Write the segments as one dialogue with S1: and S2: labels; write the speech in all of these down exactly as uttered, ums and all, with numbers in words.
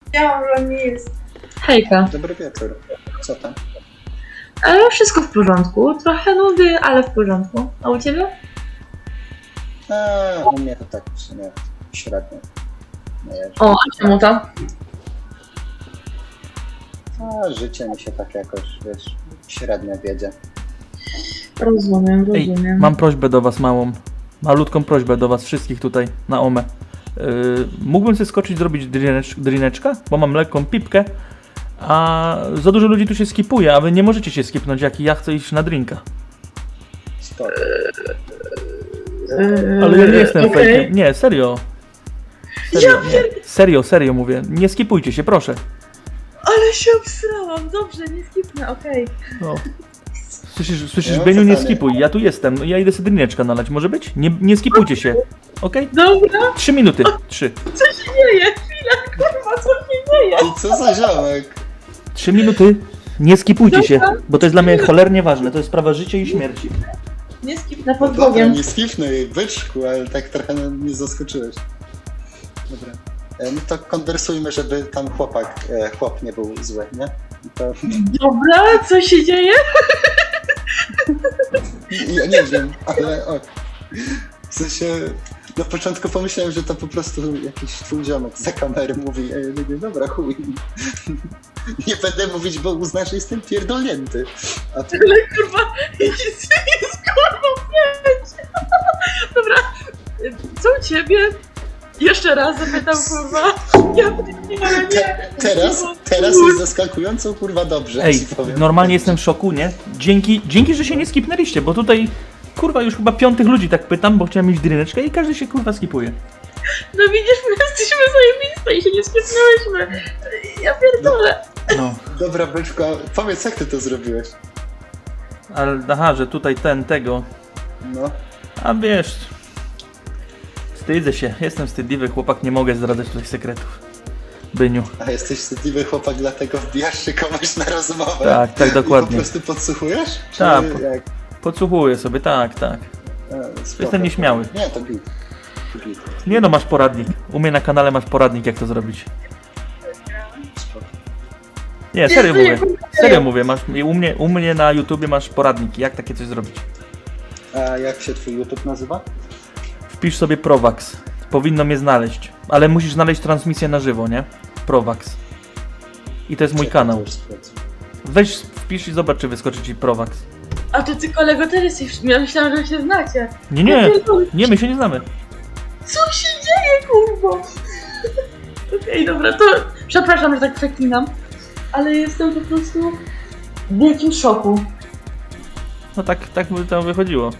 S1: Ja mam nic.
S2: Hejka.
S3: Dobry wieczór. Co tam?
S2: Ale wszystko w porządku. Trochę nudy, ale w porządku. A u ciebie?
S3: A, u mnie to tak w sumie średnio. No ja,
S2: O, a czemu to?
S3: a życie mi się tak jakoś, wiesz, średnio wiedzie.
S2: Rozumiem,
S4: Ej,
S2: rozumiem.
S4: mam prośbę do was małą. Malutką prośbę do was wszystkich tutaj na omę. Yy, mógłbym sobie skoczyć zrobić drinecz, drineczka, bo mam lekką pipkę, a za dużo ludzi tu się skipuje, a wy nie możecie się skipnąć, jak ja chcę iść na drinka.
S3: Spoko.
S2: Yy,
S4: Ale ja nie jestem
S2: okej.
S4: fejkiem. Nie, serio. Serio, nie. serio, serio mówię. Nie skipujcie się, proszę.
S2: Ale się obsrałam. Dobrze, nie skipnę, okej.
S4: No. Słyszysz, słyszysz
S3: Ja
S4: Beniu, nie
S3: pytanie.
S4: skipuj. Ja tu jestem. No, ja idę sobie drineczka nalać. Może być? Nie, nie skipujcie się. Okej?
S2: Dobra,
S4: Trzy minuty. Trzy.
S2: co się dzieje? Chwila, kurwa, co się dzieje?
S3: I co za ziomek?
S4: Trzy minuty. Nie skipujcie się, bo to jest dla mnie cholernie ważne. To jest sprawa życia i śmierci.
S2: Nie skipnę
S3: No
S2: pod
S3: dobra,
S2: Bogiem.
S3: nie skipnę byczku, ale tak trochę mnie zaskoczyłeś. Dobra. E, No to konwersujmy, żeby tam chłopak, e, chłop nie był zły, nie? To,
S2: Dobra, co się dzieje?
S3: ja nie wiem, ale ok. W sensie, na początku pomyślałem, że to po prostu jakiś twój ziomek za kamery mówi, e, mówię, dobra, chuj. Nie będę mówić, bo uznasz, że jestem pierdolnięty. A ty,
S2: Ale kurwa, jest, jest kurwa pięć. Dobra, co u ciebie? Jeszcze raz zapytam, kurwa. Ja nie, nie.
S3: te, teraz, teraz jest zaskakująco, kurwa, dobrze,
S4: Ej,
S3: ci powiem.
S4: normalnie jestem w szoku, nie? Dzięki, dzięki, że się nie skipnęliście, bo tutaj, kurwa, już chyba piątych ludzi tak pytam, bo chciałem mieć drineczkę i każdy się, kurwa, skipuje.
S2: No widzisz, my jesteśmy zajebiste i się nie skipnęłyśmy. Ja pierdolę.
S4: No,
S3: Dobra, byczku, a powiedz, jak ty to zrobiłeś?
S4: ale aha, że tutaj ten, tego,
S3: No.
S4: a wiesz, wstydzę się, jestem wstydliwy chłopak, nie mogę zdradzać tutaj sekretów. Byniu.
S3: A jesteś wstydliwy chłopak, dlatego wbijasz się komuś na rozmowę?
S4: Tak, tak,
S3: I
S4: dokładnie.
S3: po prostu podsłuchujesz? Czy
S4: Tak,
S3: jak?
S4: Podsłuchuję sobie, tak, tak.
S3: A, spoko.
S4: Jestem nieśmiały.
S3: Nie, to git. To git.
S4: Nie no, masz poradnik. U mnie na kanale masz poradnik, jak to zrobić.
S3: Spoko.
S4: Nie, serio mówię. Serio mówię, masz, u, mnie, u mnie na YouTubie masz poradnik, jak takie coś zrobić.
S3: A jak się twój YouTube nazywa?
S4: Wpisz sobie Prowax. Powinno mnie znaleźć. Ale musisz znaleźć transmisję na żywo, nie? Prowax. I to jest mój
S3: Czekaj,
S4: kanał.
S3: to już sprawdzę.
S4: Weź, wpisz i zobacz, czy wyskoczy ci Prowax.
S2: A to ty kolego też jesteś, ja myślałam, że się znacie.
S4: Nie, nie, nie, my się nie znamy.
S2: Co się dzieje, kurwa? Okej, dobra, to przepraszam, że tak przeklinam, ale jestem po prostu w wielkim szoku.
S4: No tak, tak by to wychodziło.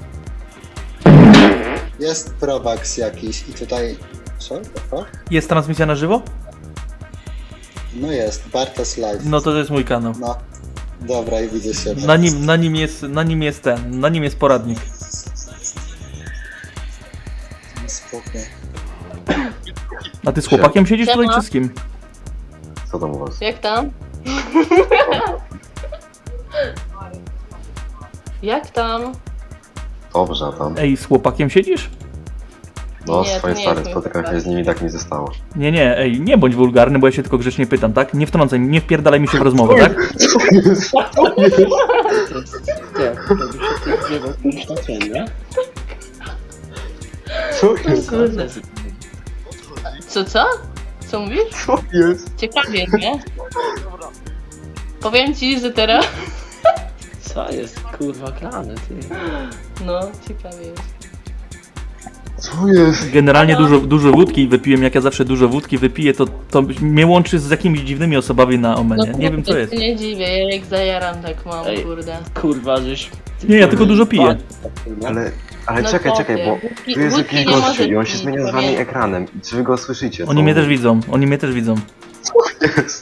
S3: Jest Provax jakiś i tutaj... Co? To?
S4: Jest transmisja na żywo?
S3: No jest, Bartos Live.
S4: No to to jest mój kanał.
S3: No. Dobra, i widzę się.
S4: Na nim, na nim jest, na nim jest ten, na nim jest poradnik.
S3: Spoko.
S4: A ty z chłopakiem siedzisz tutaj
S5: Siema.
S4: czy z kim?
S6: Co tam u was?
S5: Jak tam? Jak tam?
S6: Dobrze, a tam.
S4: Ej, z chłopakiem siedzisz?
S6: No,
S5: Nie, to
S6: swoje
S5: nie
S6: stare,
S5: jest mój
S6: spotykam się
S5: chłopak.
S6: z nimi, tak mi zostało.
S4: Nie, nie, ej, nie bądź wulgarny, bo ja się tylko grzecznie pytam, tak? Nie wtrącaj, nie wpierdalaj mi się w rozmowę, tak?
S6: Co jest?
S5: Kurde. Co, co? Co mówisz?
S6: Co jest?
S5: Ciekawie, nie? Powiem ci, że teraz...
S7: Co jest kurwa grane, ty?
S5: No, ciekawie jest.
S6: Co jest?
S4: Generalnie dużo, dużo wódki wypiłem, jak ja zawsze dużo wódki wypiję, to, to mnie łączy z jakimiś dziwnymi osobami na omenie. Nie wiem co
S5: kurde,
S4: jest.
S5: się nie dziwię, ja jak zajaram tak mam,
S7: Ej.
S5: kurde.
S7: Kurwa, żeś...
S4: Nie, ja tylko dużo piję.
S6: Ale, ale
S5: No
S6: czekaj,
S5: chłopie,
S6: czekaj, bo
S5: wódki-
S6: tu jest
S5: wódki
S6: jakiś
S5: nie
S6: gościu
S5: może
S6: i on się
S5: pić,
S6: zmienia z wami
S5: pamiętaj.
S6: ekranem. I czy wy go słyszycie? Co
S4: Oni mnie
S6: on
S4: też
S6: mówi?
S4: widzą, oni mnie też widzą.
S6: Jest.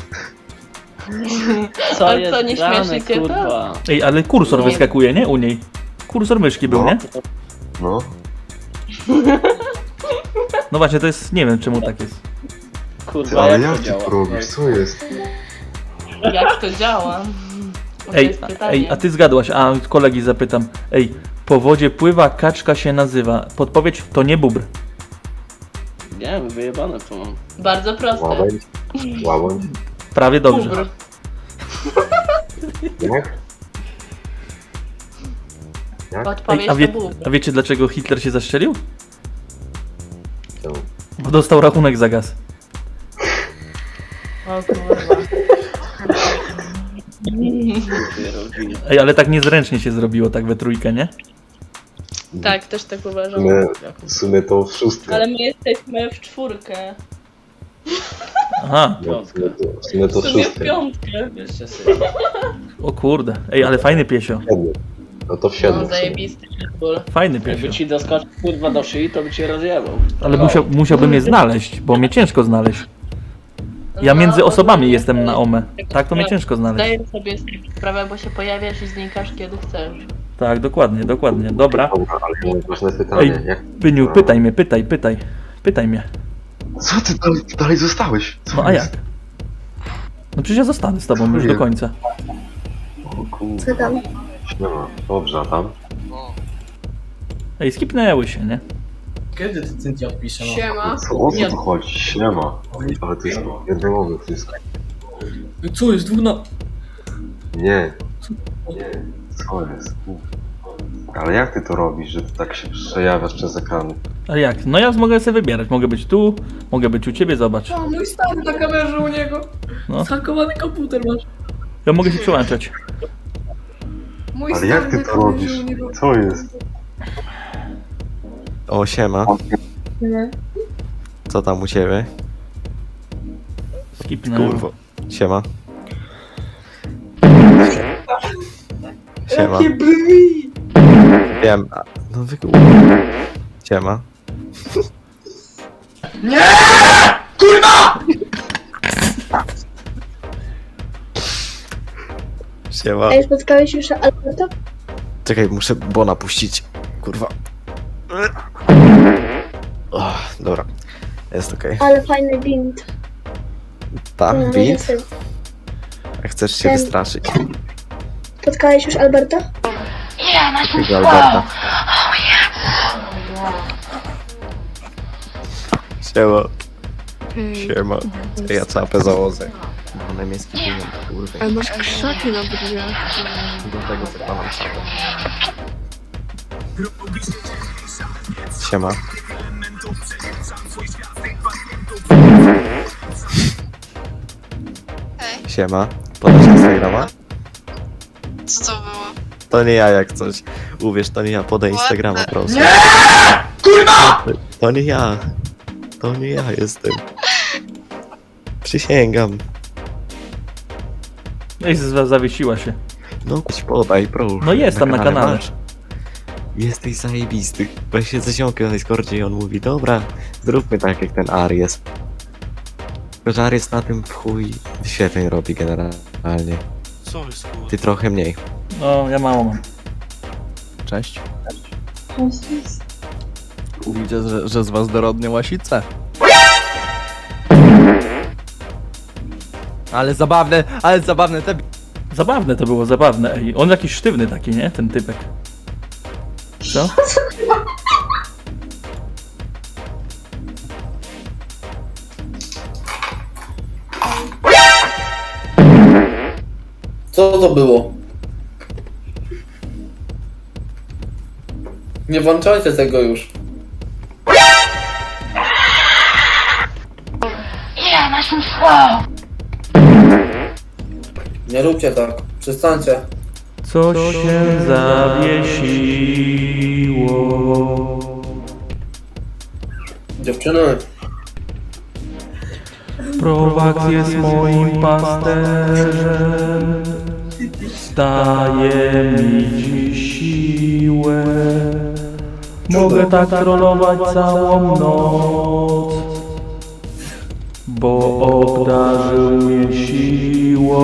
S7: Co
S5: A
S7: jest
S5: co, nie
S7: grane,
S5: śmieszy cię to?
S7: kurwa?
S4: Ej, ale kursor
S5: Nie.
S4: wyskakuje, nie? U niej. Kursor myszki był,
S6: No.
S4: nie?
S6: No.
S4: No właśnie, to jest, nie wiem czemu tak jest.
S6: Ty,
S7: Kurwa,
S6: ale
S7: jak
S6: jak
S7: to
S6: ty
S7: działa?
S6: to robisz? Co jest?
S5: Jak to działa? To
S4: Ej,
S5: jest pytanie.
S4: ej, a ty zgadłaś, a kolegi zapytam. Ej, po wodzie pływa, kaczka się nazywa. Podpowiedź, to nie bóbr.
S7: Nie wiem, wyjebane to mam.
S5: Bardzo proste.
S6: Moment. Łabędź?
S4: Prawie dobrze.
S5: Bubr.
S6: Jak? Jak?
S5: Odpowiedź
S4: Ej, a, wie,
S5: to bubr.
S4: a wiecie dlaczego Hitler się zastrzelił?
S6: To.
S4: Bo dostał rachunek za gaz.
S5: O kurwa.
S4: Ej, ale tak niezręcznie się zrobiło, tak we trójkę, nie?
S5: Tak, też tak
S6: W
S5: uważam.
S6: sumie, w sumie to w szóstkę.
S5: Ale my jesteśmy w czwórkę.
S4: Aha,
S6: No, w sumie to, w sumie to
S5: W
S6: w
S5: sumie w
S6: szóstkę.
S5: piątkę.
S7: Jeszcze sobie.
S4: o kurde. Ej, ale fajny piesio.
S6: Siedmiu. No to w siedmiu.
S5: No
S6: w sumie.
S5: zajebisty ból.
S4: Fajny
S7: Jakby
S4: piesio.
S7: ci doskoczył kurwa do szyi, to by cię rozjebał.
S4: Ale musiał, musiałbym je znaleźć, bo mnie ciężko znaleźć. Ja między
S5: No,
S4: osobami
S5: ogólnie
S4: jestem na omę. Tak to mnie ciężko znaleźć.
S5: Zdaję sobie z tego sprawę, bo się pojawiasz i znikasz kiedy chcesz.
S4: Tak, dokładnie, dokładnie. Dobra.
S6: Dobra, ale ja mam ważne pytanie.
S4: Ej,
S6: Jak...
S4: Byniu, pytaj mnie, pytaj, pytaj. Pytaj mnie.
S6: Co ty dalej, dalej zostałeś? Co
S4: No a
S6: jest?
S4: jak? No przecież ja zostanę z tobą już do końca.
S6: O kurde.
S1: Co tam?
S6: Siema. Dobrze, a tam?
S4: Ej, skipnęły się, nie?
S8: Kiedy ty Cynthia odpisze? No?
S5: Siema.
S6: Co, o co tu chodzi? Siema. Ale to jest jednomowy wszystko.
S8: Co jest dwóch na...
S6: Nie. Nie. Co jest? Ale jak ty to robisz, że ty tak się przejawiasz przez ekrany?
S4: Ale jak? No ja mogę sobie wybierać. Mogę być tu, mogę być u ciebie, zobacz.
S8: O, mój stary na kamerze u niego.
S4: No.
S8: Zhakowany komputer masz.
S4: Ja mogę się przełączać.
S8: Mój
S6: Ale jak ty
S8: na
S6: to
S8: kamerze
S6: robisz?
S8: u niego.
S6: Co jest?
S9: O, siema. Co tam u ciebie?
S4: Skipnęły.
S9: Kurwo. Siema. Siema.
S8: Jakie brzmi!
S9: Wiem. a- No wy... Siema. Siema.
S1: A już spotkałeś już Alberta?
S9: Czekaj, muszę Bona puścić. Kurwa. O, dobra. Jest okej.
S1: Ale fajny bint.
S9: Tam,
S1: No,
S9: bit?
S1: jestem.
S9: A chcesz się
S1: Ten-
S9: wystraszyć?
S1: Spotkałeś już Alberta?
S9: Tego Alberta. Siema. Siema. Ja czapę założę. Bo na niemiecki film, kurwa.
S1: Ale masz krzaki na brwiach.
S9: Do tego zakładam czapę. Siema. Siema. Podasz Instagrama?
S10: Co to było?
S9: To nie ja jak coś. Uwierz, to nie ja. Podaj Instagrama, proszę. Nie! Kurwa! To nie ja. To nie ja jestem. Przysięgam.
S4: Ej, z- zawiesiła się.
S9: No kuć, podaj, proszę.
S4: No jest tam na kanale.
S9: masz. Jesteś zajebisty. Weź się ze ziomkiem na Discordzie i on mówi, dobra, zróbmy tak jak ten Aries. Tylko, że Aries na tym w chuj wyświetleń robi generalnie.
S10: Co jest kurwa?
S9: Ty trochę mniej.
S4: No, ja mało mam.
S11: Cześć. Widzę, że, że z was dorodnie łasice. Ale zabawne, ale zabawne te...
S4: Zabawne to było, zabawne. Ej, on jakiś sztywny taki, nie? Ten typek. Co?
S8: Co to było? Nie włączajcie tego już. Nie róbcie tak. Przestańcie.
S4: Co się zawiesiło?
S8: Dziewczyny.
S4: Prowak jest moim pasterzem. Daje mi dziś siłę. Mogę tak trollować całą noc, bo obdarzył mnie siłą.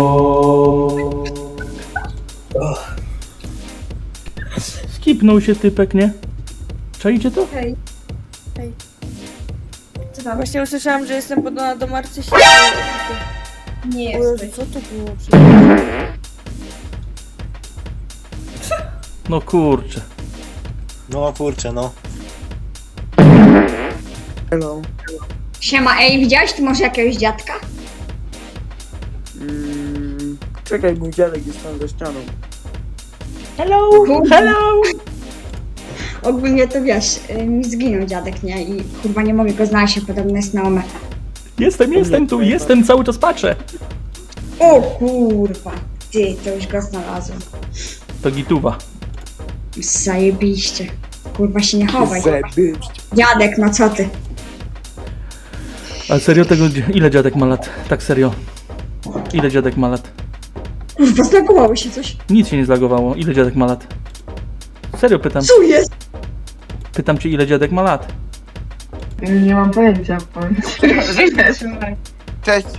S4: Skipnął się typek, nie? Czajcie to?
S1: Hej. Hej. Co tam? Właśnie usłyszałam, że jestem podobna do Marcysi. Nie jesteś. Co to było?
S4: No kurczę.
S11: No kurczę, no.
S1: Siema, ej, widziałeś tu może jakiegoś dziadka? Mm, czekaj, mój dziadek jest tam za ścianą.
S4: Hello, hello!
S12: Ogólnie to wiesz, y, mi zginął dziadek, nie? I kurwa nie mogę go znaleźć, a podobno jest na omę.
S4: Jestem, jestem tu, jestem, cały czas patrzę.
S12: O kurwa, ty, to już go znalazłem.
S4: To gituwa.
S12: Zajebiście. Kurwa się nie chowaj. Dziadek, no co ty?
S4: Ale serio tego, ile dziadek ma lat? Tak serio. Ile dziadek ma lat?
S12: Kurwa, zlagowało się coś.
S4: Nic się nie zlagowało. Ile dziadek ma lat? Serio pytam.
S12: Co jest?
S4: Pytam cię, ile dziadek ma lat?
S2: Nie mam pojęcia, powiem.
S13: Cześć!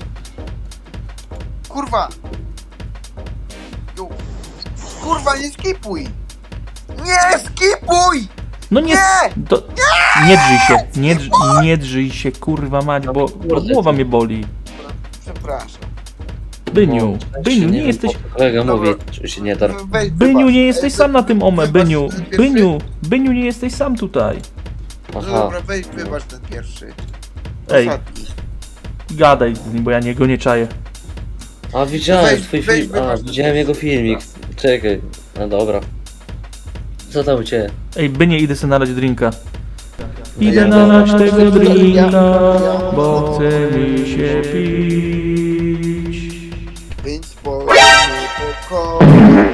S13: Kurwa! Ju. Kurwa, nie skipuj! Nie skipuj!
S4: No nie,
S13: Nie!
S4: to, nie drzyj się, nie, drz, nie drzyj się, kurwa mać, bo, bo głowa mnie boli.
S13: Przepraszam.
S4: Byniu, Byniu, nie jesteś,
S7: Kolega mówi, że się nie dar.
S13: Weź,
S4: Byniu,
S13: wybacz.
S4: nie jesteś
S13: E,
S4: sam na tym ome,
S13: wybacz
S4: Byniu,
S13: ten pierwszy.
S4: Byniu, Byniu, nie jesteś sam tutaj.
S13: No
S7: Aha.
S13: dobra, weź, wybacz ten pierwszy.
S4: Ej,
S13: Ostatni.
S4: gadaj z nim, bo ja niego nie czaję.
S7: A widziałem
S13: Weź,
S7: twój
S13: weź,
S7: film. A,
S13: wybacz.
S7: widziałem jego filmik. Czekaj. No dobra. Co tam u ciebie?
S4: Ej, Bynie, idę sobie nalać drinka.
S7: No
S4: Idę
S7: ja-
S4: nalać tego
S13: ja-
S4: drinka,
S13: ja-
S4: bo chce mi się pić.
S13: Więc spokojnie, spokojnie.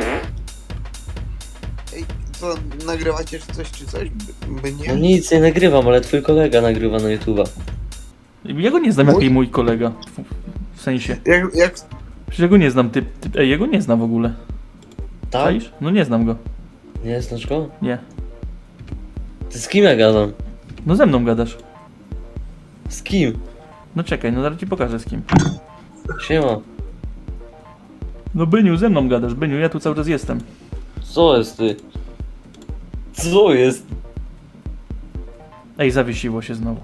S13: Ej, co, nagrywacie czy coś, czy coś? By
S7: No
S13: nie?
S7: nic, nie nagrywam, ale twój kolega nagrywa na YouTube'a.
S4: Ja go nie znam,
S13: Mój?
S4: jaki mój kolega. W sensie,
S13: Jak, jak,
S4: przecież ja go nie znam, ty, ty ej, ja go nie znam w ogóle.
S7: Tak?
S4: Czaisz? No nie znam go,
S7: Nie znasz go?
S4: nie.
S7: Ty z kim ja gadam?
S4: No ze mną gadasz.
S7: Z kim?
S4: No czekaj, no zaraz ci pokażę z kim.
S7: Siema.
S4: No Byniu, ze mną gadasz, Byniu, ja tu cały czas jestem.
S7: Co jest ty? Co jest?
S4: Ej, zawiesiło się znowu.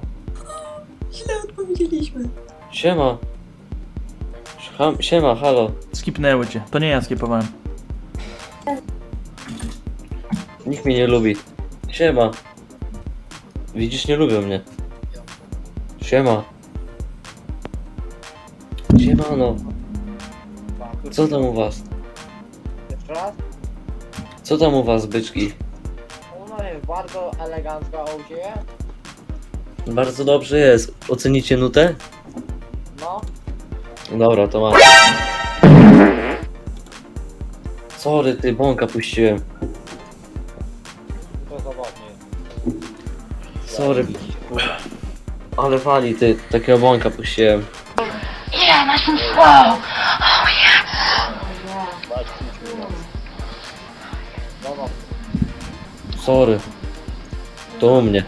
S7: Siema. Ham, siema, halo.
S4: Skipnęły cię, to nie ja skipowałem.
S7: Nikt mnie nie lubi. Siema. Widzisz, nie lubią mnie. Siema. Siemano. Co tam u was?
S11: Jeszcze raz?
S7: Co tam u was, byczki?
S11: No jest bardzo elegancka u ciebie.
S7: Bardzo dobrze jest. Ocenicie nutę?
S11: No.
S7: Dobra, to mam. Sorry, ty, bąka puściłem.
S11: To zabawnie.
S7: Sorry. Ale wali, ty, takiego bąka puściłem. Sorry. To u mnie.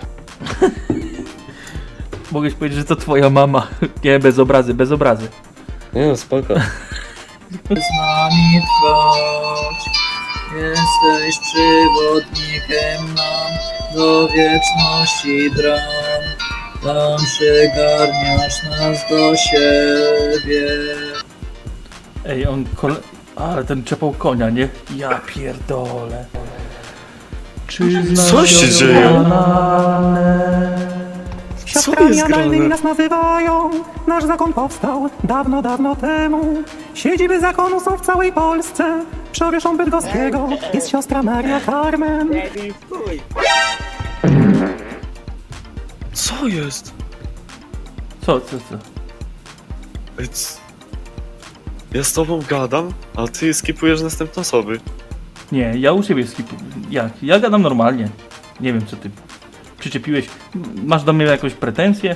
S4: Mogłeś powiedzieć, że to twoja mama. Nie, bez obrazy, bez obrazy.
S7: Nie no, spoko.
S5: Z nami trwać, jesteś przewodnikiem nam do wieczności bram. Tam przygarniasz nas do siebie.
S4: Ej, on kole... Ale ten czepał konia, nie? Ja pierdolę. Czy
S6: Co się dzieje?
S11: Co jest grane? nas nazywają. Nasz zakon powstał dawno, dawno temu. Siedziby zakonu są w całej Polsce. Przowieszą Bydgoskiego jest siostra Maria Carmen.
S6: Co jest?
S4: Co, co, co?
S6: Ej, c- Ja z tobą gadam, a ty skipujesz następne osoby.
S4: Nie, ja u siebie skipuję. Jak? Ja gadam normalnie. Nie wiem, co ty przyczepiłeś. Masz do mnie jakąś pretensję?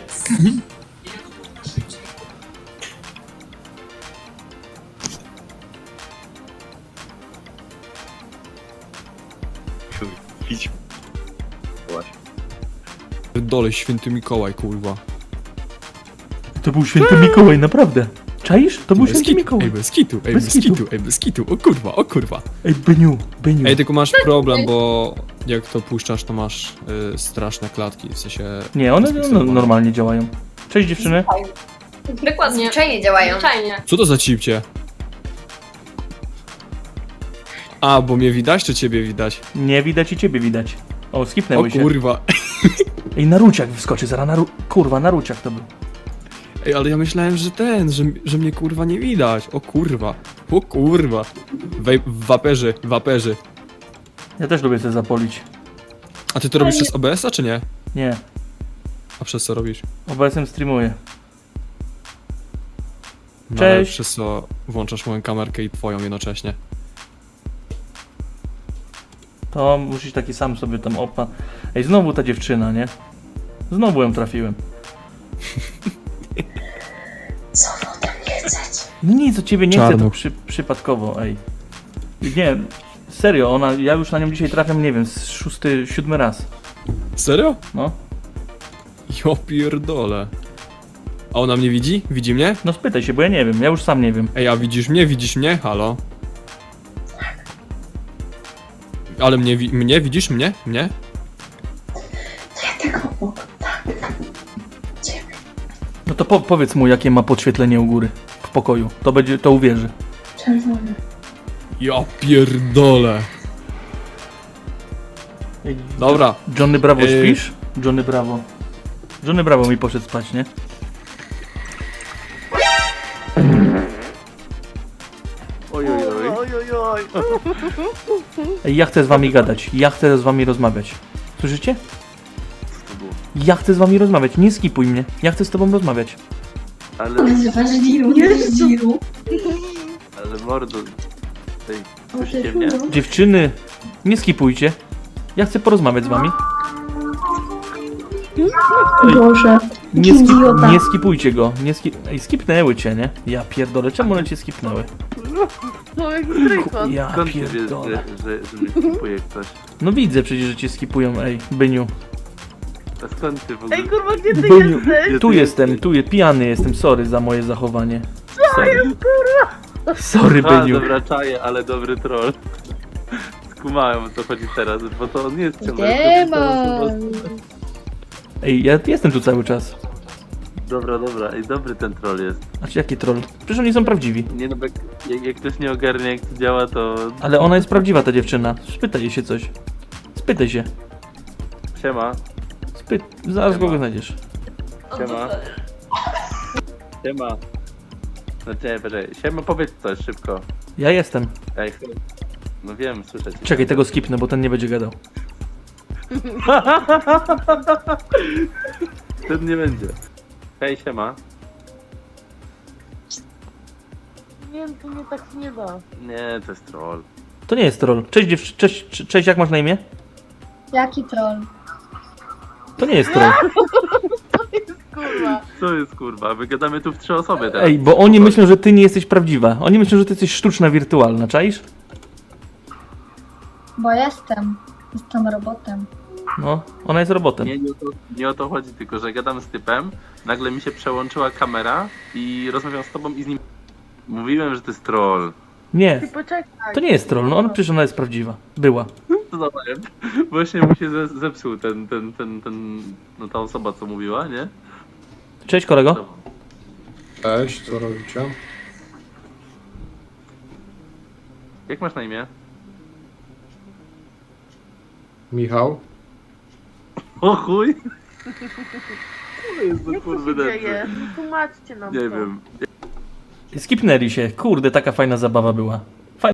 S6: Idź.
S11: Dole święty Mikołaj, kurwa.
S4: To był święty Mikołaj, naprawdę. Czaisz? To był święty Mikołaj.
S11: bez kitu, ej,
S4: Bez bez kitu.
S11: ej, bez kitu, o kurwa, o kurwa.
S4: Ej, Byniu, Byniu.
S11: Ej, tylko masz problem, bo jak to puszczasz, to masz y, straszne klatki, w sensie...
S4: Nie, one no, normalnie działają. Cześć dziewczyny.
S12: Dokładnie. Zwyczajnie działają. Zwyczajnie.
S11: Co to za cipcie? A, bo mnie widać, czy ciebie widać?
S4: Nie widać i ciebie widać. O,
S11: O
S4: skipnęły się.
S11: kurwa.
S4: Ej, Naruciak wyskoczy zaraz, naru... Kurwa, Naruciak to był.
S14: Ej, ale ja myślałem, że ten, że, że mnie kurwa nie widać. O kurwa. O kurwa. Wej, waperzy, waperzy.
S4: Ja też lubię sobie zapolić.
S14: A ty to robisz przez O B S-a czy nie?
S4: Nie,
S14: A przez co robisz?
S4: O B S-em streamuję.
S14: No, ale
S4: Cześć.
S14: przez co włączasz moją kamerkę i twoją jednocześnie?
S4: To musisz taki sam sobie tam opa. Ej, znowu ta dziewczyna, nie? Znowu ją trafiłem.
S12: Co wam tam nie chcecie?
S4: Nic od ciebie nie chcę, to
S14: Czarnuch.
S4: przy, przypadkowo, ej. Nie, serio, ona, ja już na nią dzisiaj trafiam, nie wiem, z szósty, siódmy raz.
S14: Serio?
S4: No.
S14: Jo pierdolę. A ona mnie widzi? Widzi mnie?
S4: No spytaj się, bo ja nie wiem, ja już sam nie wiem.
S14: Ej, a widzisz mnie? Widzisz mnie? Halo? Ale mnie, wi- mnie? Widzisz mnie? Mnie?
S12: Ja tego obok. Tak. Ciebie.
S4: No to po, powiedz mu, jakie ma podświetlenie u góry w pokoju. To będzie, to uwierzy.
S12: Czerwony.
S14: Ja pierdolę.
S4: Ej,
S14: Dobra.
S4: Johnny Bravo,
S14: Yy.
S4: śpisz? Johnny Bravo. Johnny Bravo mi poszedł spać, nie?
S6: Oj, oj, oj.
S4: Ej, ja chcę z wami gadać, ja chcę z wami rozmawiać. Słyszycie?
S6: Co to było?
S4: Ja chcę z wami rozmawiać, nie skipuj mnie. Ja chcę z tobą rozmawiać.
S6: Ale,
S12: Nazywasz Diru, jest Diru.
S6: ale mordo... Tej, słyszycie mnie?
S4: Dziewczyny, nie skipujcie. Ja chcę porozmawiać z wami.
S12: Boże.
S4: Nie, skip, nie skipujcie go. Nie skip... Ej, skipnęły cię, nie? Ja pierdolę, czemu one cię skipnęły?
S5: No jak trójkąt.
S4: Ja
S6: Skąd ty wiesz,
S4: pierdolę.
S6: że, że, że mnie skipuje ktoś?
S4: No widzę przecież, że cię skipują, ej, Byniu.
S6: A skąd ty w ogóle?
S5: Ej kurwa, gdzie ty
S4: Byniu,
S5: jesteś?
S4: tu jestem, tu je, pijany jestem, sorry za moje zachowanie. Sorry. Sorry,
S6: A,
S4: Byniu.
S6: dobra, czaję, ale dobry troll. Skumałem, o co chodzi teraz, bo to on nie jest ciągle...
S5: Demon.
S4: Ej, ja jestem tu cały czas.
S6: Dobra, dobra, i dobry ten troll jest.
S4: A czy jaki troll? Przecież oni są prawdziwi.
S6: Nie no, bo jak, jak, jak ktoś nie ogarnia jak to działa, to...
S4: Ale ona jest prawdziwa, ta dziewczyna. Spytaj jej się coś. Spytaj się.
S6: Siema,
S4: Spyt... Zaraz
S6: Siema.
S4: go znajdziesz.
S6: siema. Siema. No czekaj, poczekaj. Siema, powiedz coś szybko.
S4: Ja jestem.
S6: Ej, chwilę. No wiem, słyszę cię.
S4: Czekaj, tego skipnę, bo ten nie będzie gadał.
S6: Ten nie będzie. Hej, siema.
S5: Nie, to mnie tak nie da.
S6: Nie, to jest troll.
S4: To nie jest troll. Cześć dziewczy... Cześć, cze- cześć, jak masz na imię?
S12: Jaki troll?
S4: To nie jest troll.
S5: Kurwa.
S6: Co jest kurwa? My gadamy tu w trzy osoby teraz.
S4: Ej, bo oni myślą, że ty nie jesteś prawdziwa. Oni myślą, że ty jesteś sztuczna, wirtualna, czaisz?
S12: Bo jestem. Jestem robotem.
S4: No, ona jest robotem.
S6: Nie, nie o, to, nie o to chodzi, tylko że gadam z typem, nagle mi się przełączyła kamera i rozmawiam z tobą i z nim... Mówiłem, że to jest troll.
S4: Nie,
S5: Ty poczekaj.
S4: to nie jest troll, no ona przecież ona jest prawdziwa. Była.
S6: To dawałem. Właśnie mu się ze- zepsuł ten, ten, ten, ten, no ta osoba co mówiła, nie?
S4: Cześć kolego.
S15: Cześć, co robicie?
S6: Jak masz na imię?
S15: Michał?
S6: O chuj! Co jest za
S5: Jak to
S6: kurwy
S5: się
S6: nędzy?
S5: dzieje? Tłumaczcie nam
S6: Nie
S5: to.
S6: wiem.
S4: Skipnęli się. Kurde, taka fajna zabawa była.